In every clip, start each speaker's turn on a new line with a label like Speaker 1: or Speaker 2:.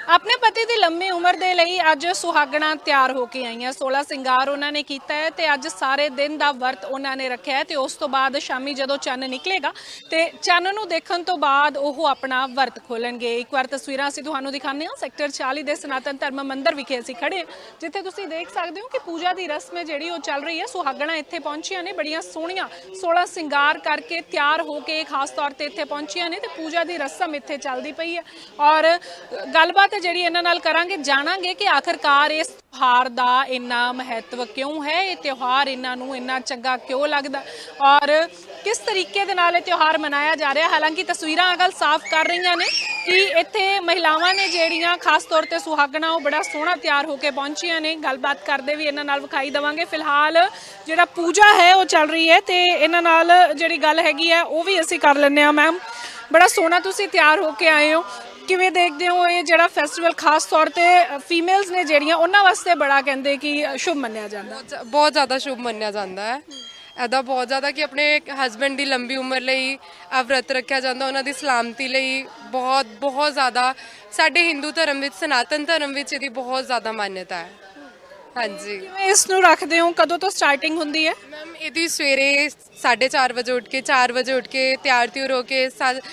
Speaker 1: ਆਪਣੇ ਪਤੀ ਦੀ ਲੰਮੀ ਉਮਰ ਦੇ ਲਈ ਅੱਜ ਸੁਹਾਗਣਾ ਤਿਆਰ ਹੋ ਕੇ ਆਈਆਂ 16 ਸਿੰਗਾਰ ਉਹਨਾਂ ਨੇ ਕੀਤਾ ਹੈ ਤੇ ਅੱਜ ਸਾਰੇ ਦਿਨ ਦਾ ਵਰਤ ਉਹਨਾਂ ਨੇ ਰੱਖਿਆ ਹੈ ਤੇ ਉਸ ਤੋਂ ਬਾਅਦ ਸ਼ਾਮੀ ਜਦੋਂ ਚੰਨ ਨਿਕਲੇਗਾ ਤੇ ਚੰਨ ਨੂੰ ਦੇਖਣ ਤੋਂ ਬਾਅਦ ਉਹ ਆਪਣਾ ਵਰਤ ਖੋਲਣਗੇ। ਇੱਕ ਵਾਰ ਤਸਵੀਰਾਂ ਅਸੀਂ ਤੁਹਾਨੂੰ ਦਿਖਾਉਂਦੇ ਹਾਂ ਸੈਕਟਰ 40 ਦੇ ਸਨਾਤਨ ਧਰਮ ਮੰਦਿਰ ਵਿਖੇ ਅਸੀਂ ਖੜੇ ਜਿੱਥੇ ਤੁਸੀਂ ਦੇਖ ਸਕਦੇ ਹੋ ਕਿ ਪੂਜਾ ਦੀ ਰਸਮ ਹੈ ਜਿਹੜੀ ਉਹ ਚੱਲ ਰਹੀ ਹੈ। ਸੁਹਾਗਣਾ ਇੱਥੇ ਪਹੁੰਚੀਆਂ ਨੇ ਬੜੀਆਂ ਸੋਹਣੀਆਂ 16 ਸਿੰਗਾਰ ਕਰਕੇ ਤਿਆਰ ਹੋ ਕੇ ਖਾਸ ਤੌਰ ਤੇ ਇੱਥੇ ਪਹੁੰਚੀਆਂ ਨੇ ਤੇ ਪੂਜਾ ਦੀ ਰਸਮ ਇੱਥੇ ਚੱਲਦੀ ਪਈ ਹੈ ਔਰ ਗੱਲਬਾਤ ਜਿਹੜੀ ਇਹਨਾਂ ਨਾਲ ਕਰਾਂਗੇ ਜਾਣਾਂਗੇ ਕਿ ਆਖਰਕਾਰ ਇਸ ਤਿਉਹਾਰ ਦਾ ਇੰਨਾ ਮਹੱਤਵ ਕਿਉਂ ਹੈ, ਇਹ ਤਿਉਹਾਰ ਇਹਨਾਂ ਨੂੰ ਇੰਨਾ ਚੰਗਾ ਕਿਉਂ ਲੱਗਦਾ ਔਰ ਕਿਸ ਤਰੀਕੇ ਦੇ ਨਾਲ ਇਹ ਤਿਉਹਾਰ ਮਨਾਇਆ ਜਾ ਰਿਹਾ। ਹਾਲਾਂਕਿ ਤਸਵੀਰਾਂ ਅਗਲ ਸਾਫ਼ ਕਰ ਰਹੀਆਂ ਨੇ ਕਿ ਇੱਥੇ ਮਹਿਲਾਵਾਂ ਨੇ ਜਿਹੜੀਆਂ ਖਾਸ ਤੌਰ ਤੇ ਸੁਹਾਗਣਾ ਉਹ ਬੜਾ ਸੋਹਣਾ ਤਿਆਰ ਹੋ ਕੇ ਪਹੁੰਚੀਆਂ ਨੇ। ਗੱਲਬਾਤ ਕਰਦੇ ਵੀ ਇਹਨਾਂ ਨਾਲ ਵਿਖਾਈ ਦੇਵਾਂਗੇ। ਫਿਲਹਾਲ ਜਿਹੜਾ ਪੂਜਾ ਹੈ ਉਹ ਚੱਲ ਰਹੀ ਹੈ ਤੇ ਇਹਨਾਂ ਨਾਲ ਜਿਹੜੀ ਗੱਲ ਹੈਗੀ ਹੈ ਉਹ ਵੀ ਅਸੀਂ ਕਰ ਲੈਂਦੇ ਹਾਂ। ਮੈਮ ਬੜਾ ਸੋਹਣਾ ਤੁਸੀਂ ਤਿਆਰ ਹੋ ਕੇ ਆਏ ਹੋ, ਕਿਵੇਂ ਦੇਖਦੇ ਹੋ ਇਹ ਜਿਹੜਾ ਫੈਸਟੀਵਲ ਖਾਸ ਤੌਰ ਤੇ ਫੀਮੇਲਸ ਨੇ ਜਿਹੜੀਆਂ ਉਹਨਾਂ ਵਾਸਤੇ ਬੜਾ ਕਹਿੰਦੇ ਕਿ ਸ਼ੁਭ ਮੰਨਿਆ ਜਾਂਦਾ?
Speaker 2: ਬਹੁਤ ਜ਼ਿਆਦਾ ਸ਼ੁਭ ਮੰਨਿਆ ਜਾਂਦਾ ਹੈ ਇਹਦਾ, ਬਹੁਤ ਜ਼ਿਆਦਾ ਕਿ ਆਪਣੇ ਹਸਬੈਂਡ ਦੀ ਲੰਬੀ ਉਮਰ ਲਈ ਆ ਵਰਤ ਰੱਖਿਆ ਜਾਂਦਾ, ਉਹਨਾਂ ਦੀ ਸਲਾਮਤੀ ਲਈ ਬਹੁਤ ਜ਼ਿਆਦਾ ਸਾਡੇ ਹਿੰਦੂ ਧਰਮ ਵਿੱਚ ਸਨਾਤਨ ਧਰਮ ਵਿੱਚ ਇਹਦੀ ਬਹੁਤ ਜ਼ਿਆਦਾ ਮਾਨਤਾ ਹੈ। ਹਾਂਜੀ,
Speaker 1: ਕਿਵੇਂ ਇਸ ਨੂੰ ਰੱਖਦੇ ਹੋ, ਕਦੋਂ ਤੋਂ ਸਟਾਰਟਿੰਗ ਹੁੰਦੀ ਹੈ?
Speaker 2: ਮੈਮ ਇਹਦੀ ਸਵੇਰੇ 4:30 ਵਜੇ ਉੱਠ ਕੇ 4 ਵਜੇ ਉੱਠ ਕੇ ਤਿਆਰ ਤਿਉਰ ਹੋ ਕੇ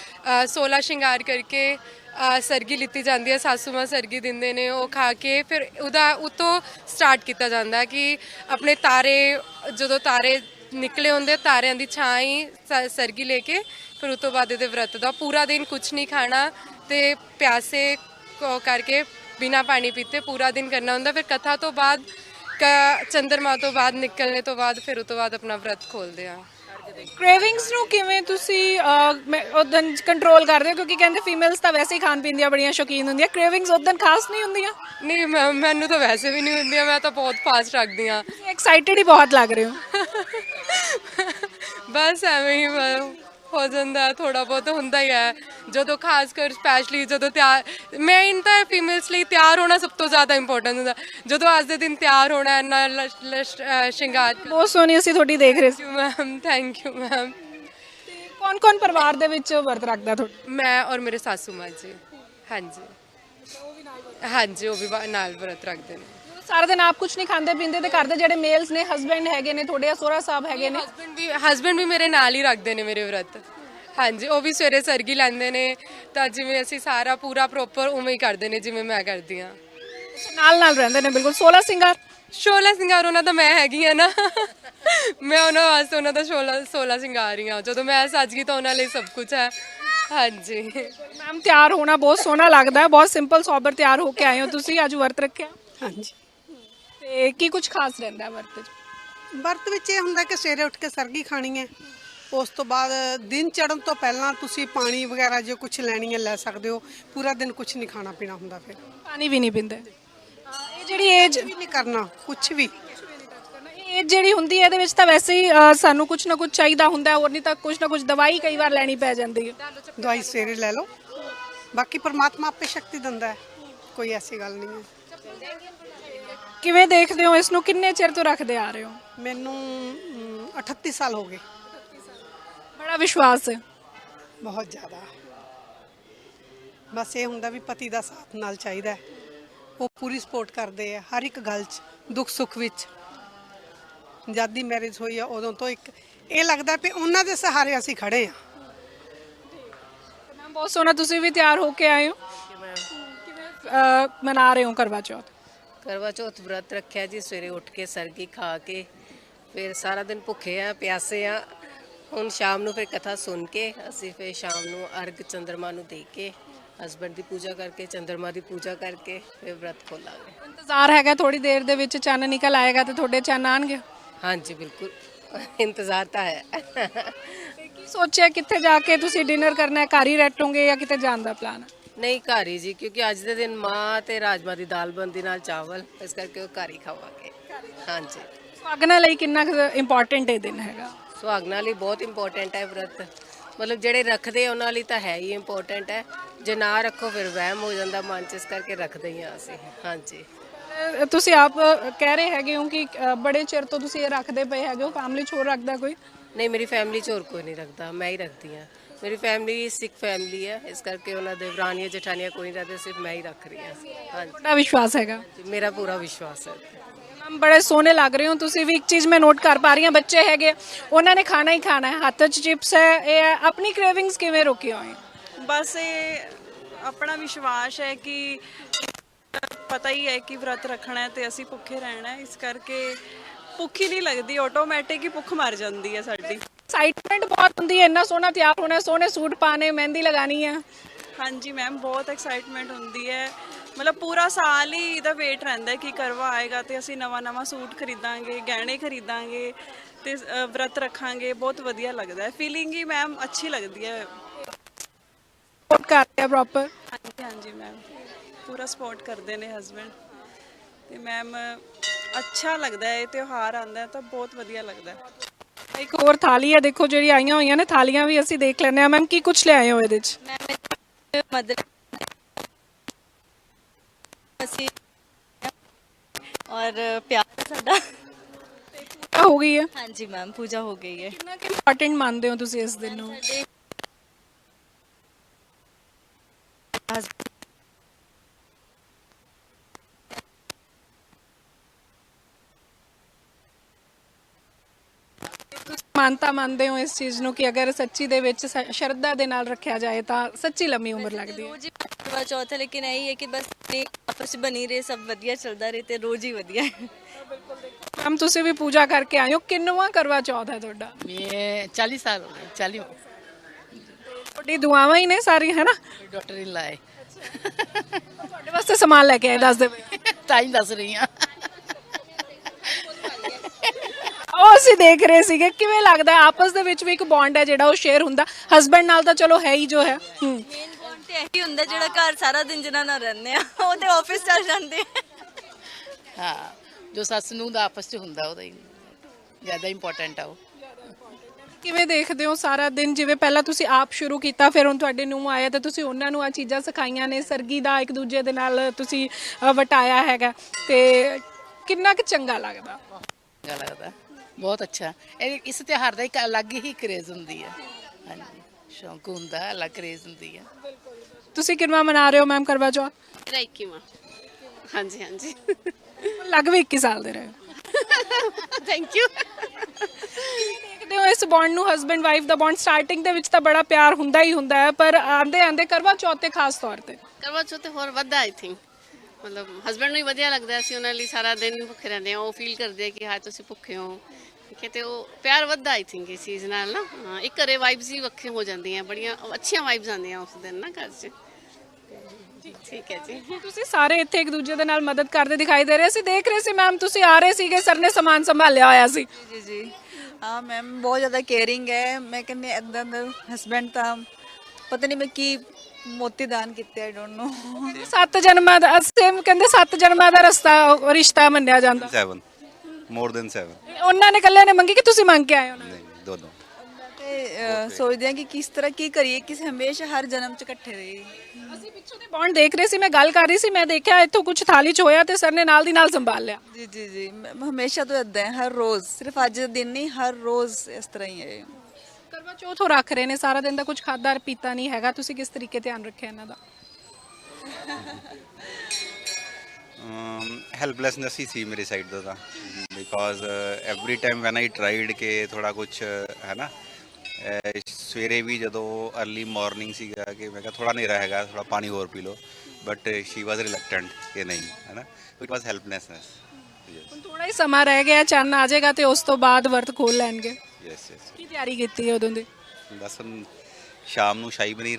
Speaker 2: 16 ਸ਼ਿੰਗਾਰ ਕਰਕੇ ਸਰਗੀ ਲਿੱਤੀ ਜਾਂਦੀ ਹੈ। ਸਾਸੂ ਮਾਂ ਸਰਗੀ ਦਿੰਦੇ ਨੇ, ਉਹ ਖਾ ਕੇ ਫਿਰ ਉਹਦਾ ਉਤੋਂ ਸਟਾਰਟ ਕੀਤਾ ਜਾਂਦਾ ਕਿ ਆਪਣੇ ਤਾਰੇ ਜਦੋਂ ਤਾਰੇ ਨਿਕਲੇ ਹੁੰਦੇ ਤਾਰਿਆਂ ਦੀ ਛਾਂ ਹੀ ਸਰਗੀ ਲੈ ਕੇ ਫਿਰ ਉਸ ਤੋਂ ਬਾਅਦ ਇਹਦੇ ਵਰਤ ਦਾ ਪੂਰਾ ਦਿਨ ਕੁਝ ਨਹੀਂ ਖਾਣਾ ਤੇ ਪਿਆਸੇ ਕਰਕੇ ਬਿਨਾ ਪਾਣੀ ਪੀਤੇ ਪੂਰਾ ਦਿਨ ਕਰਨਾ ਹੁੰਦਾ। ਫਿਰ ਕਥਾ ਤੋਂ ਬਾਅਦ ਚੰਦਰਮਾ ਤੋਂ ਬਾਅਦ ਨਿਕਲਣੇ ਤੋਂ ਬਾਅਦ ਫਿਰ ਉਸ ਤੋਂ ਬਾਅਦ ਆਪਣਾ ਵਰਤ ਖੋਲਦੇ ਆ।
Speaker 1: ਕ੍ਰੇਵਿੰਗਸ ਨੂੰ ਕਿਵੇਂ ਤੁਸੀਂ ਉਦੋਂ ਕੰਟਰੋਲ ਕਰਦੇ ਹੋ, ਕਿਉਂਕਿ ਕਹਿੰਦੇ ਫੀਮੇਲਸ ਤਾਂ ਵੈਸੇ ਹੀ ਖਾਣ ਪੀਣ ਦੀਆਂ ਬੜੀਆਂ ਸ਼ੌਕੀਨ ਹੁੰਦੀਆਂ, ਕ੍ਰੇਵਿੰਗਸ ਉਦੋਂ ਖਾਸ ਨਹੀਂ ਹੁੰਦੀਆਂ?
Speaker 2: ਨਹੀਂ ਮੈਨੂੰ ਤਾਂ ਵੈਸੇ ਵੀ ਨਹੀਂ ਹੁੰਦੀਆਂ, ਮੈਂ ਤਾਂ ਬਹੁਤ ਫਾਸਟ ਰੱਖਦੀ ਹਾਂ।
Speaker 1: ਐਕਸਾਈਟਿਡ ਹੀ ਬਹੁਤ ਲੱਗ ਰਹੇ ਹੋ।
Speaker 2: ਬਸ ਐਵੇਂ ਹੀ ਹੋ ਜਾਂਦਾ, ਥੋੜਾ ਬਹੁਤ ਹੁੰਦਾ ਹੀ ਹੈ ਜਦੋਂ ਖਾਸ ਕਰ ਸਪੈਸ਼ਲੀ ਜਦੋਂ ਤਿਆਰ ਮੇਨ ਤਾਂ ਫੀਮੇਲਸ ਲਈ ਤਿਆਰ ਹੋਣਾ ਸਭ ਤੋਂ ਜ਼ਿਆਦਾ ਇੰਪੋਰਟੈਂਟ ਹੁੰਦਾ। ਜਦੋਂ ਅੱਜ ਦੇ ਦਿਨ ਤਿਆਰ ਹੋਣਾ ਇੰਨਾ ਸ਼ਿੰਗਾਰ।
Speaker 1: ਬਹੁਤ ਸੋਹਣੀ ਅਸੀਂ ਤੁਹਾਡੀ ਦੇਖ ਰਹੇ ਸੀ
Speaker 2: ਮੈਮ, ਥੈਂਕ ਯੂ ਮੈਮ।
Speaker 1: ਕੌਣ ਕੌਣ ਪਰਿਵਾਰ ਦੇ ਵਿੱਚ ਵਰਤ ਰੱਖਦਾ ਤੁਹਾਡਾ?
Speaker 2: ਮੈਂ ਔਰ ਮੇਰੇ ਸਾਸੂ ਮਾਂ ਜੀ। ਹਾਂਜੀ ਹਾਂਜੀ, ਉਹ ਵੀ ਨਾਲ ਵਰਤ ਰੱਖਦੇ ਨੇ।
Speaker 1: ਸਾਰਾ ਦਿਨ ਆਪ ਕੁਝ ਨਹੀਂ ਖਾਂਦੇ ਪੀਂਦੇ ਤੇ ਘਰ ਦੇ ਜਿਹੜੇ ਮੇਲਸ ਨੇ ਹਸਬੈਂਡ ਹੈਗੇ ਨੇ ਤੁਹਾਡੇ ਸੋਹਰਾ ਸਾਹਿਬ ਹੈਗੇ ਨੇ?
Speaker 2: ਹਸਬੈਂਡ ਵੀ ਮੇਰੇ ਨਾਲ ਹੀ ਰੱਖਦੇ ਨੇ ਮੇਰੇ ਵਰਤ। ਹਾਂਜੀ, ਉਹ ਵੀ ਸਵੇਰੇ ਸਰਗੀ ਲੈਂਦੇ ਨੇ ਤਾਂ ਜਿਵੇਂ ਅਸੀਂ ਸਾਰਾ ਪੂਰਾ ਪ੍ਰੋਪਰ ਉਵੇਂ ਹੀ ਕਰਦੇ ਨੇ ਜਿਵੇਂ ਮੈਂ ਕਰਦੀ ਹਾਂ।
Speaker 1: ਨਾਲ ਨਾਲ ਰਹਿੰਦੇ ਨੇ ਬਿਲਕੁਲ। 16 ਸਿੰਗਾਰ?
Speaker 2: 16 ਸਿੰਗਾਰ ਉਹਨਾਂ ਦਾ ਮੈਂ ਹੈਗੀ ਆ ਨਾ ਮੈਂ ਉਹਨਾਂ ਵਾਸਤੇ ਉਹਨਾਂ ਦਾ 16 ਸਿੰਗਾਰ ਹੀ ਆ। ਜਦੋਂ ਮੈਂ ਸੱਜ ਗਈ ਤਾਂ ਉਹਨਾਂ ਲਈ ਸਭ ਕੁਝ ਹੈ। ਹਾਂਜੀ
Speaker 1: ਮੈਮ, ਤਿਆਰ ਹੋਣਾ ਬਹੁਤ ਸੋਹਣਾ ਲੱਗਦਾ ਹੈ, ਬਹੁਤ ਸਿੰਪਲ ਸੋਬਰ ਤਿਆਰ ਹੋ ਕੇ ਆਏ ਹੋ ਤੁਸੀਂ, ਅੱਜ ਵਰਤ ਰੱਖਿਆ।
Speaker 3: ਹਾਂਜੀ,
Speaker 1: ਤੇ ਕੀ ਕੁਝ ਖਾਸ ਰਹਿੰਦਾ ਵਰਤ 'ਚ?
Speaker 3: ਵਰਤ ਵਿੱਚ ਇਹ ਹੁੰਦਾ ਕਿ ਸਵੇਰੇ ਉੱਠ ਕੇ ਸਰਗੀ ਖਾਣੀ ਹੈ, ਉਸ ਤੋਂ ਬਾਅਦ ਦਿਨ ਚੜ੍ਹਨ ਤੋਂ ਪਹਿਲਾਂ ਤੁਸੀਂ ਪਾਣੀ ਵਗੈਰਾ ਜੇ ਕੁਝ ਲੈਣੀ ਹੈ ਲੈ ਸਕਦੇ ਹੋ। ਪੂਰਾ ਦਿਨ ਕੁਝ ਨਹੀਂ ਖਾਣਾ ਪੀਣਾ ਹੁੰਦਾ, ਫਿਰ
Speaker 1: ਪਾਣੀ ਵੀ ਨਹੀਂ ਪੀਂਦੇ। ਇਹ ਜਿਹੜੀ ਏਜ
Speaker 3: ਵੀ ਨਹੀਂ ਕਰਨਾ ਕੁਝ ਵੀ।
Speaker 1: ਏਜ ਜਿਹੜੀ ਹੁੰਦੀ ਹੈ ਇਹਦੇ ਵਿੱਚ ਤਾਂ ਵੈਸੇ ਹੀ ਸਾਨੂੰ ਕੁਝ ਨਾ ਕੁਝ ਚਾਹੀਦਾ ਹੁੰਦਾ, ਹੋਰ ਨਹੀਂ ਤਾਂ ਕੁਝ ਨਾ ਕੁਝ ਦਵਾਈ ਕਈ ਵਾਰ ਲੈਣੀ ਪੈ ਜਾਂਦੀ ਹੈ।
Speaker 3: ਦਵਾਈ ਸਵੇਰੇ ਲੈ ਲਓ, ਬਾਕੀ ਪਰਮਾਤਮਾ ਆਪੇ ਸ਼ਕਤੀ ਦਿੰਦਾ ਹੈ, ਕੋਈ ਐਸੀ ਗੱਲ ਨਹੀਂ ਹੈ।
Speaker 1: ਕਿਵੇਂ ਦੇਖਦੇ ਹੋ ਇਸ ਨੂੰ, ਕਿੰਨੇ ਚਿਰ ਤੋਂ ਰੱਖਦੇ ਆ ਰਹੇ ਹੋ?
Speaker 3: ਮੈਨੂੰ 38 ਸਾਲ ਹੋ ਗਏ।
Speaker 1: ਬੜਾ ਵਿਸ਼ਵਾਸ ਹੈ?
Speaker 3: ਬਹੁਤ ਜ਼ਿਆਦਾ। ਬਸ ਇਹ ਹੁੰਦਾ ਵੀ ਪਤੀ ਦਾ ਸਾਥ ਨਾਲ ਚਾਹੀਦਾ ਹੈ, ਉਹ ਪੂਰੀ ਸਪੋਰਟ ਕਰਦੇ ਆ ਹਰ ਇੱਕ ਗੱਲ 'ਚ, ਦੁੱਖ ਸੁੱਖ ਵਿੱਚ। ਜਦ ਦੀ ਮੈਰਿਜ ਹੋਈ ਆ ਉਦੋਂ ਤੋਂ ਇੱਕ ਇਹ ਲੱਗਦਾ ਵੀ ਉਹਨਾਂ ਦੇ ਸਹਾਰੇ ਅਸੀਂ ਖੜੇ ਆ।
Speaker 1: ਮੈਮ, ਬਹੁਤ ਸੋਹਣਾ ਤੁਸੀਂ ਵੀ ਤਿਆਰ ਹੋ ਕੇ ਆਏ ਹੋ। ਕਿਵੇਂ ਮਨਾ ਰਹੇ ਹੋ ਕਰਵਾ ਚੌਥ?
Speaker 4: ਕਰਵਾ ਚੌਥ ਵਰਤ ਰੱਖਿਆ ਜੀ, ਸਵੇਰੇ ਉੱਠ ਕੇ ਸਰਗੀ ਖਾ ਕੇ ਫਿਰ ਸਾਰਾ ਦਿਨ ਭੁੱਖੇ ਆ ਪਿਆਸੇ ਆ। ਹੁਣ ਸ਼ਾਮ ਨੂੰ ਫਿਰ ਕਥਾ ਸੁਣ ਕੇ ਅਸੀਂ ਫਿਰ ਸ਼ਾਮ ਨੂੰ ਅਰਗ ਚੰਦਰਮਾ ਨੂੰ ਦੇ ਕੇ ਹਸਬੈਂਡ ਦੀ ਪੂਜਾ ਕਰਕੇ ਚੰਦਰਮਾ ਦੀ ਪੂਜਾ ਕਰਕੇ ਫਿਰ ਵਰਤ ਖੋਲਾਂਗੇ।
Speaker 1: ਇੰਤਜ਼ਾਰ ਹੈਗਾ ਥੋੜੀ ਦੇਰ ਦੇ ਵਿੱਚ ਚੰਨ ਨਿਕਲ ਆਏਗਾ ਤੇ ਤੁਹਾਡੇ ਚੰਨ ਆਣਗੇ?
Speaker 4: ਹਾਂਜੀ ਬਿਲਕੁਲ, ਇੰਤਜ਼ਾਰ ਤਾਂ ਹੈ।
Speaker 1: ਤੇ ਕੀ ਸੋਚਿਆ ਕਿੱਥੇ ਜਾ ਕੇ ਤੁਸੀਂ ਡਿਨਰ ਕਰਨਾ ਹੈ, ਘਰ ਹੀ ਰਹਿਟੋਗੇ ਜਾਂ ਕਿਤੇ ਜਾਣ ਦਾ ਪਲਾਨ ਹੈ?
Speaker 4: ਨਹੀਂ, ਘਰ ਹੀ ਜੀ, ਕਿਉਂਕਿ ਅੱਜ ਦੇ ਦਿਨ ਮਾਂ ਤੇ ਰਾਜਮਾ ਦੀ ਦਾਲ ਬਣਦੀ ਨਾਲ ਚਾਵਲ, ਇਸ ਕਰਕੇ ਉਹ ਘਰ ਹੀ ਖਾਵਾਂਗੇ। ਹਾਂਜੀ,
Speaker 1: ਸੁਹਾਗਣਾ ਲਈ ਕਿੰਨਾ ਇੰਪੋਰਟੈਂਟ ਇਹ ਦਿਨ ਹੈਗਾ?
Speaker 4: ਸੁਹਾਗਣਾ ਲਈ ਬਹੁਤ ਇੰਪੋਰਟੈਂਟ ਹੈ ਵਰਤ, ਮਤਲਬ ਜਿਹੜੇ ਰੱਖਦੇ ਉਹਨਾਂ ਲਈ ਤਾਂ ਹੈ ਹੀ ਇੰਪੋਰਟੈਂਟ ਹੈ, ਜੇ ਨਾ ਰੱਖੋ ਫਿਰ ਵਹਿਮ ਹੋ ਜਾਂਦਾ ਮਨ 'ਚ, ਇਸ ਕਰਕੇ ਰੱਖਦੇ ਹੀ ਹਾਂ ਅਸੀਂ। ਹਾਂਜੀ,
Speaker 1: ਤੁਸੀਂ ਆਪ ਕਹਿ ਰਹੇ ਹੈਗੇ ਹੋ ਕਿ ਬੜੇ ਚਿਰ ਤੋਂ ਤੁਸੀਂ ਇਹ ਰੱਖਦੇ ਪਏ ਹੈਗੇ ਹੋ, ਫੈਮਿਲੀ 'ਚ ਹੋਰ ਰੱਖਦਾ ਕੋਈ?
Speaker 4: ਨਹੀਂ, ਮੇਰੀ ਫੈਮਿਲੀ 'ਚ ਹੋਰ ਕੋਈ ਨਹੀਂ ਰੱਖਦਾ, ਮੈਂ ਹੀ ਰੱਖਦੀ ਹਾਂ। ਮੇਰੀ ਫੈਮਿਲੀ ਸਿੱਖ ਫੈਮਿਲੀ ਹੈ, ਇਸ ਕਰਕੇ ਉਹਨਾਂ ਦੇ ਦਰਾਣੀਆਂ ਜਠਾਣੀਆਂ ਕੋਈ ਨਹੀਂ ਰਹਦੇ, ਸਿਰਫ ਮੈਂ ਹੀ ਰੱਖ ਰਹੀ ਹਾਂ। ਹਾਂਜੀ,
Speaker 1: ਤੁਹਾਡਾ ਵਿਸ਼ਵਾਸ ਹੈਗਾ?
Speaker 4: ਮੇਰਾ ਪੂਰਾ ਵਿਸ਼ਵਾਸ ਹੈ।
Speaker 1: ਮੈਮ ਬੜੇ ਸੋਹਣੇ ਲੱਗ ਰਹੇ ਹੋ ਤੁਸੀਂ ਵੀ। ਇੱਕ ਚੀਜ਼ ਮੈਂ ਨੋਟ ਕਰ ਪਾ ਰਹੀ ਹਾਂ, ਬੱਚੇ ਹੈਗੇ ਉਹਨਾਂ ਨੇ ਖਾਣਾ ਹੀ ਖਾਣਾ ਹੈ, ਹੱਥ 'ਚ ਚਿਪਸ ਹੈ, ਇਹ ਹੈ। ਆਪਣੀ ਕ੍ਰੇਵਿੰਗਸ ਕਿਵੇਂ ਰੋਕੀਆਂ ਹੋਈਆਂ?
Speaker 5: ਬਸ ਇਹ ਆਪਣਾ ਵਿਸ਼ਵਾਸ ਹੈ ਕਿ ਪਤਾ ਹੀ ਹੈ ਕਿ ਵਰਤ ਰੱਖਣਾ ਹੈ ਤੇ ਅਸੀਂ ਭੁੱਖੇ ਰਹਿਣਾ ਹੈ, ਇਸ ਕਰਕੇ ਭੁੱਖ ਹੀ ਨਹੀਂ ਲੱਗਦੀ, ਆਟੋਮੈਟਿਕ ਹੀ ਭੁੱਖ ਮਰ ਜਾਂਦੀ ਹੈ ਸਾਡੀ।
Speaker 1: ਐਕਸਾਈਟਮੈਂਟ ਬਹੁਤ ਹੁੰਦੀ ਹੈ, ਇੰਨਾ ਸੋਹਣਾ ਤਿਆਰ ਹੋਣਾ, ਸੋਹਣੇ ਸੂਟ ਪਾਣੇ, ਮਹਿੰਦੀ ਲਗਾਣੀ ਹੈ।
Speaker 5: ਹਾਂਜੀ ਮੈਮ, ਬਹੁਤ ਐਕਸਾਈਟਮੈਂਟ ਹੁੰਦੀ ਹੈ, ਮਤਲਬ ਪੂਰਾ ਸਾਲ ਹੀ ਇਹਦਾ ਵੇਟ ਰਹਿੰਦਾ ਹੈ ਕਿ ਕਰਵਾ ਆਏਗਾ ਤੇ ਅਸੀਂ ਨਵਾਂ ਸੂਟ ਖਰੀਦਾਂਗੇ, ਗਹਿਣੇ ਖਰੀਦਾਂਗੇ ਤੇ ਵਰਤ ਰੱਖਾਂਗੇ। ਬਹੁਤ ਵਧੀਆ ਲੱਗਦਾ ਹੈ, ਫੀਲਿੰਗ ਹੀ ਮੈਮ ਅੱਛੀ ਲੱਗਦੀ ਹੈ।
Speaker 1: ਸਪੋਰਟ ਕਰਦੇ ਆ ਪ੍ਰੋਪਰ?
Speaker 5: ਹਾਂਜੀ ਹਾਂਜੀ ਮੈਮ, ਪੂਰਾ ਸਪੋਰਟ ਕਰਦੇ ਨੇ ਹਸਬੈਂਡ ਤੇ ਮੈਮ। ਅੱਛਾ ਲੱਗਦਾ ਹੈ, ਇਹ ਤਿਉਹਾਰ ਆਉਂਦਾ ਹੈ ਤਾਂ ਬਹੁਤ ਵਧੀਆ ਲੱਗਦਾ ਹੈ।
Speaker 1: ਇੱਕ ਹੋਰ ਥਾਲੀ ਹੈ ਦੇਖੋ, ਜਿਹੜੀ ਆਈਆਂ ਹੋਈਆਂ ਨੇ ਥਾਲੀਆਂ ਵੀ ਅਸੀਂ ਦੇਖ ਲੈਂਦੇ ਹਾਂ। ਮੈਮ ਕੀ ਕੁਝ ਲਿਆਏ ਹੋ ਇਹਦੇ 'ਚ?
Speaker 6: मदर ਅਸੀਂ और प्यार ਸਾਡਾ।
Speaker 1: ਹੋ ਗਈ ਹੈ?
Speaker 6: ਹਾਂਜੀ ਮੈਮ, ਪੂਜਾ ਹੋ ਗਈ ਹੈ।
Speaker 1: ਕਿੰਨਾ ਕਿ ਇੰਪੋਰਟੈਂਟ ਮੰਨਦੇ ਹੋ ਤੁਸੀਂ ਇਸ ਦਿਨ ਨੂੰ? ਮਾਨਤਾ ਮੰਨਦੇ ਹੋ ਇਸ ਚੀਜ਼ ਨੂੰ ਕਿ ਅਗਰ ਸੱਚੀ ਦੇ ਵਿੱਚ ਸ਼ਰਧਾ ਦੇ ਨਾਲ ਰੱਖਿਆ ਜਾਏ ਤਾਂ ਸੱਚੀ ਲੰਮੀ ਉਮਰ ਲੱਗਦੀ ਹੈ?
Speaker 6: ਰੋਜ਼ ਹੀ ਕਰਵਾ ਚੌਥ ਹੈ, ਲੇਕਿਨ ਇਹੀ ਹੈ ਕਿ ਬਸ ਆਪਸ ਬਣੀ ਰਹੇ, ਸਭ ਵਧੀਆ ਚੱਲਦਾ ਰਹੇ ਤੇ ਰੋਜ਼ ਹੀ ਵਧੀਆ ਹੈ।
Speaker 1: ਮੈਮ ਤੁਸੀਂ ਵੀ ਪੂਜਾ ਕਰਕੇ ਆਏ ਹੋ, ਕਿੰਨਵਾਂ ਕਰਵਾ ਚੌਥ ਹੈ ਤੁਹਾਡਾ?
Speaker 7: ये 40 साल हो गए, 40
Speaker 1: ਤੁਹਾਡੀ ਦੁਆਵਾਂ ਹੀ ਨੇ ਸਾਰੀਆਂ, ਹੈ ਨਾ?
Speaker 7: डॉक्टर ही लाए
Speaker 1: ਤੁਹਾਡੇ ਵਾਸਤੇ ਸਮਾਨ ਲੈ ਕੇ ਆਏ, ਦੱਸ ਦੇਵੇ।
Speaker 7: ताई दस रही हैं।
Speaker 1: ਉਹ ਅਸੀਂ ਦੇਖ ਰਹੇ ਸੀਗੇ, ਕਿਵੇਂ ਲੱਗਦਾ ਹੈ? ਆਪਸ ਦੇ ਵਿੱਚ ਵੀ ਇੱਕ ਬੌਂਡ ਹੈ ਜਿਹੜਾ ਉਹ ਸ਼ੇਅਰ ਹੁੰਦਾ, ਹਸਬੈਂਡ ਨਾਲ ਤਾਂ ਚਲੋ ਹੈ ਹੀ ਜੋ ਹੈ।
Speaker 6: ਮੇਨ ਬੌਂਡ ਤੇ ਇਹੀ ਹੁੰਦਾ ਜਿਹੜਾ ਘਰ ਸਾਰਾ ਦਿਨ ਜਿਨ੍ਹਾਂ ਨਾਲ ਰਹਿੰਦੇ ਆ, ਉਹ ਤੇ ਆਫਿਸ ਚੱਲ ਜਾਂਦੇ ਆ।
Speaker 7: हाँ, जो सस नूं दा आपस च हुंदा ਉਹਦਾ ਹੀ ਜ਼ਿਆਦਾ ਇੰਪੋਰਟੈਂਟ ਆ ਉਹ।
Speaker 1: ਕਿਵੇਂ ਦੇਖਦੇ ਹੋ ਸਾਰਾ ਦਿਨ? ਜਿਵੇਂ ਪਹਿਲਾਂ ਤੁਸੀਂ ਆਪ ਸ਼ੁਰੂ ਕੀਤਾ, ਫਿਰ ਹੁਣ ਤੁਹਾਡੇ ਨੂੰ ਆਇਆ ਤੇ ਤੁਸੀਂ ਉਹਨਾਂ ਨੂੰ ਆ ਚੀਜ਼ਾਂ ਸਿਖਾਈਆਂ ਨੇ, ਸਰਗੀ ਦਾ ਇੱਕ ਦੂਜੇ ਦੇ ਨਾਲ ਤੁਸੀਂ ਵਟਾਇਆ ਹੈਗਾ, ਤੇ ਕਿੰਨਾ ਕੁ ਚੰਗਾ ਲੱਗਦਾ?
Speaker 7: ਚੰਗਾ ਲੱਗਦਾ, ਬਹੁਤ ਅੱਛਾ। ਇਹ ਇਸ ਤਿਉਹਾਰ ਦਾ ਇੱਕ ਅਲੱਗ ਹੀ ਕਰੇਜ਼ ਹੁੰਦੀ ਹੈ। ਹਾਂਜੀ, ਸ਼ੌਂਕ ਹੁੰਦਾ, ਅਲੱਗ ਕਰੇਜ਼ ਹੁੰਦੀ ਹੈ।
Speaker 1: ਤੁਸੀਂ ਕਿੰਨਾ ਮਨਾ ਰਹੇ ਹੋ ਮੈਮ ਕਰਵਾ ਚੌਥ?
Speaker 8: ਮੇਰਾ 21ਵਾਂ। ਹਾਂਜੀ ਹਾਂਜੀ,
Speaker 1: ਲੱਗ ਵੀ 21 ਸਾਲ ਦੇ ਰਹੇ ਹੋ।
Speaker 8: Thank you.
Speaker 1: ਦੇਖਦੇ ਹੋ ਇਸ ਬੌਂਡ ਨੂੰ, ਹਸਬੈਂਡ ਵਾਈਫ ਦਾ ਬੌਂਡ ਸਟਾਰਟਿੰਗ ਦੇ ਵਿੱਚ ਤਾਂ ਬੜਾ ਪਿਆਰ ਹੁੰਦਾ ਹੀ ਹੁੰਦਾ ਹੈ, ਪਰ ਆਂਦੇ ਆਂਦੇ ਕਰਵਾ ਚੌਥ ਤੇ ਖਾਸ ਤੌਰ ਤੇ
Speaker 8: ਕਰਵਾ ਚੌਥ ਤੇ ਹੋਰ ਵੱਧਾ ਆਈ ਥਿੰਕ, ਮਤਲਬ ਹਸਬੈਂਡ ਨੂੰ ਹੀ ਵਧੀਆ ਲੱਗਦਾ, ਅਸੀਂ ਉਹਨਾਂ ਲਈ ਸਾਰਾ ਦਿਨ ਭੁੱਖੇ ਰਹਿੰਦੇ ਹਾਂ, ਉਹ ਫੀਲ ਕਰਦੇ ਕਿ ਹਾਂ ਤੁਸੀਂ ਭੁੱਖੇ ਹੋ, ਠੀਕ ਹੈ, ਤੇ ਉਹ ਪਿਆਰ ਵੱਧਦਾ ਆਈ ਥਿੰਕ ਇਸ ਚੀਜ਼ ਨਾਲ ਨਾ। ਹਾਂ, ਇੱਕ ਘਰੇ ਵਾਈਬਸ ਹੀ ਵੱਖਰੇ ਹੋ ਜਾਂਦੀਆਂ, ਬੜੀਆਂ ਅੱਛੀਆਂ ਵਾਈਬਸ ਆਉਂਦੀਆਂ ਉਸ ਦਿਨ ਨਾ ਘਰ 'ਚ। ਠੀਕ ਹੈ ਜੀ।
Speaker 1: ਤੁਸੀਂ ਸਾਰੇ ਇੱਥੇ ਇੱਕ ਦੂਜੇ ਦੇ ਨਾਲ ਮਦਦ ਕਰਦੇ ਦਿਖਾਈ ਦੇ ਰਹੇ ਸੀ। ਦੇਖ ਰਹੇ ਸੀ ਮੈਮ ਤੁਸੀਂ ਆ ਰਹੇ ਸੀਗੇ, ਸਰ ਨੇ ਸਮਾਨ ਸੰਭਾਲਿਆ ਹੋਇਆ ਸੀ।
Speaker 9: ਜੀ ਜੀ ਹਾਂ ਮੈਮ, ਬਹੁਤ ਜ਼ਿਆਦਾ ਕੇਅਰਿੰਗ ਹੈ। ਮੈਂ ਕਹਿੰਦੀ ਇੱਦਾਂ ਦਾ ਹਸਬੈਂਡ ਤਾਂ ਪਤਾ ਨਹੀਂ ਮੈਂ ਕੀ ਮੋਤੀ ਦਾਨ ਕੀਤੇ, I don't know.
Speaker 1: 7 ਜਨਮਾਂ the same ਕਹਿੰਦੇ, 7 ਜਨਮਾਂ ਦਾ ਰਿਸ਼ਤਾ ਮੰਨਿਆ ਜਾਂਦਾ।
Speaker 10: 7 more than 7
Speaker 1: ਉਹਨਾਂ ਨੇ ਇਕੱਲੇ ਨੇ ਮੰਗੀ ਕਿ ਤੁਸੀਂ ਮੰਗ ਕੇ ਆਏ ਹੋ?
Speaker 10: ਨਹੀਂ, ਦੋਨੋਂ।
Speaker 9: ਤੇ ਸੋਚਦੇ ਹਾਂ ਕਿ ਕਿਸ ਤਰ੍ਹਾਂ ਕੀ ਕਰੀਏ ਕਿ ਹਮੇਸ਼ਾ ਹਰ ਜਨਮ ਚ ਇਕੱਠੇ ਰਹੀਏ।
Speaker 1: ਅਸੀਂ ਪਿੱਛੋਂ ਦੇ ਬੌਂਡ ਦੇਖ ਰਹੇ ਸੀ, ਮੈਂ ਗੱਲ ਕਰ ਰਹੀ ਸੀ, ਮੈਂ ਦੇਖਿਆ ਇੱਥੋਂ ਕੁਝ ਥਾਲੀ 'ਚ ਹੋਇਆ ਤੇ ਸਰ ਨੇ ਨਾਲ ਦੀ ਨਾਲ ਸੰਭਾਲ ਲਿਆ।
Speaker 9: ਜੀ ਜੀ ਜੀ, ਹਮੇਸ਼ਾ ਤੋਂ ਇੱਦਾਂ ਹੈ, ਹਰ ਰੋਜ਼, ਸਿਰਫ ਅੱਜ ਦਾ ਦਿਨ ਨਹੀਂ, ਹਰ ਰੋਜ਼ ਇਸ ਤਰ੍ਹਾਂ ਹੀ ਹੈ।
Speaker 1: ਕਰਵਾ ਚੌਥ ਉਹ ਰੱਖ ਰਹੇ ਨੇ, ਸਾਰਾ ਦਿਨ ਦਾ ਕੁਝ ਖਾਦਾ ਪੀਤਾ ਨਹੀਂ ਹੈਗਾ, ਤੁਸੀਂ ਕਿਸ ਤਰੀਕੇ ਧਿਆਨ ਰੱਖਿਆ ਇਹਨਾਂ ਦਾ?
Speaker 10: ਹੈਲਪਲੈਸਨੈਸ ਹੀ ਸੀ ਮੇਰੀ ਸਾਈਡ ਤੋਂ ਤਾਂ, because every time when I tried ਕਿ ਥੋੜਾ ਕੁਝ ਹੈ ਨਾ, ਸਵੇਰੇ ਵੀ ਜਦੋਂ ਅਰਲੀ ਮਾਰਨਿੰਗ ਸੀਗਾ ਕਿ ਮੈਂ ਕਿਹਾ ਥੋੜਾ ਹਨੇਰਾ ਹੈਗਾ, ਥੋੜਾ ਪਾਣੀ ਹੋਰ ਪੀ ਲਓ, ਬਟ ਸ਼ੀ ਵਾਜ਼ ਰਿਲੈਕਟੈਂਟ ਕਿ ਨਹੀਂ, ਹੈ ਨਾ, ਇਟ ਵਾਜ਼ ਹੈਲਪਲੈਸਨੈਸ।
Speaker 1: ਹੁਣ ਥੋੜਾ ਹੀ ਸਮਾਂ ਰਹਿ ਗਿਆ, ਚੰਨ ਆ ਜਾਏਗਾ ਤੇ ਉਸ ਤੋਂ ਬਾਅਦ ਵਰਤ ਖੋਲ ਲੈਣਗੇ।
Speaker 10: ਯੈਸ ਯੈਸ,
Speaker 1: ਕੀ ਤਿਆਰੀ ਕੀਤੀ ਹੈ ਉਦੋਂ ਦੀ?
Speaker 10: ਬਸ ਹੁਣ ਸ਼ਾਮ ਨੂੰ ਸ਼ਾਹੀ ਪਨੀਰ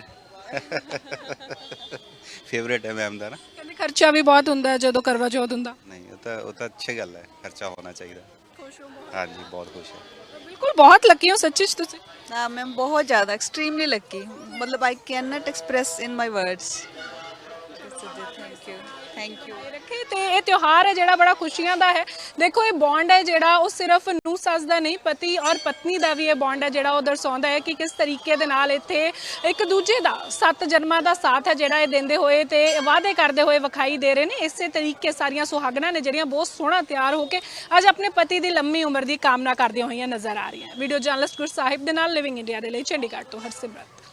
Speaker 10: ਫੇਵਰੇਟ ਹੈ ਮੈਮ ਦਾ ਨਾ।
Speaker 1: ਕਹਿੰਦੇ ਖਰਚਾ ਵੀ ਬਹੁਤ ਹੁੰਦਾ ਹੈ ਜਦੋਂ ਕਰਵਾ ਚੌਥ ਹੁੰਦਾ।
Speaker 10: ਨਹੀਂ, ਉਹ ਤਾਂ ਅੱਛੀ ਗੱਲ ਹੈ, ਖਰਚਾ ਹੋਣਾ ਚਾਹੀਦਾ।
Speaker 1: ਖੁਸ਼ ਹੋ?
Speaker 10: ਹਾਂਜੀ, ਬਹੁਤ ਖੁਸ਼ ਹੈ।
Speaker 1: ਬਿਲਕੁਲ ਬਹੁਤ ਲੱਕੀ ਹੋ ਸੱਚੀ 'ਚ ਤੁਸੀਂ।
Speaker 9: ਹਾਂ ਮੈਮ, ਬਹੁਤ ਜ਼ਿਆਦਾ, ਐਕਸਟ੍ਰੀਮਲੀ ਲੱਕੀ, ਮਤਲਬ I can not express in my words. Thank you, thank you.
Speaker 1: ਰੱਖੇ ਤੇ ਇਹ ਤਿਉਹਾਰ ਹੈ ਜਿਹੜਾ ਬੜਾ ਖੁਸ਼ੀਆਂ ਦਾ ਹੈ। ਦੇਖੋ ਇਹ ਬੌਂਡ ਹੈ ਜਿਹੜਾ ਉਹ ਸਿਰਫ ਨੂੰਹ ਸੱਸ ਦਾ ਨਹੀਂ, ਪਤੀ ਔਰ ਪਤਨੀ ਦਾ ਵੀ ਇਹ ਬੌਂਡ ਹੈ ਜਿਹੜਾ ਉਹ ਦਰਸਾਉਂਦਾ ਹੈ ਕਿ ਕਿਸ ਤਰੀਕੇ ਦੇ ਨਾਲ ਇੱਥੇ ਇੱਕ ਦੂਜੇ ਦਾ 7 ਜਨਮਾਂ ਦਾ ਸਾਥ ਹੈ ਜਿਹੜਾ ਇਹ ਦਿੰਦੇ ਹੋਏ ਤੇ ਵਾਅਦੇ ਕਰਦੇ ਹੋਏ ਵਿਖਾਈ ਦੇ ਰਹੇ ਨੇ। ਇਸੇ ਤਰੀਕੇ ਸਾਰੀਆਂ ਸੁਹਾਗਣਾਂ ਨੇ ਜਿਹੜੀਆਂ ਬਹੁਤ ਸੋਹਣਾ ਤਿਆਰ ਹੋ ਕੇ ਅੱਜ ਆਪਣੇ ਪਤੀ ਦੀ ਲੰਮੀ ਉਮਰ ਦੀ ਕਾਮਨਾ ਕਰਦੀਆਂ ਹੋਈਆਂ ਨਜ਼ਰ ਆ ਰਹੀਆਂ। ਵੀਡੀਓ ਜਰਨਲਿਸਟ ਗੁਰਸਾਹਿਬ ਦੇ ਨਾਲ ਲਿਵਿੰਗ ਇੰਡੀਆ ਦੇ ਲਈ ਚੰਡੀਗੜ੍ਹ ਤੋਂ ਹਰਸਿਮਰਤ।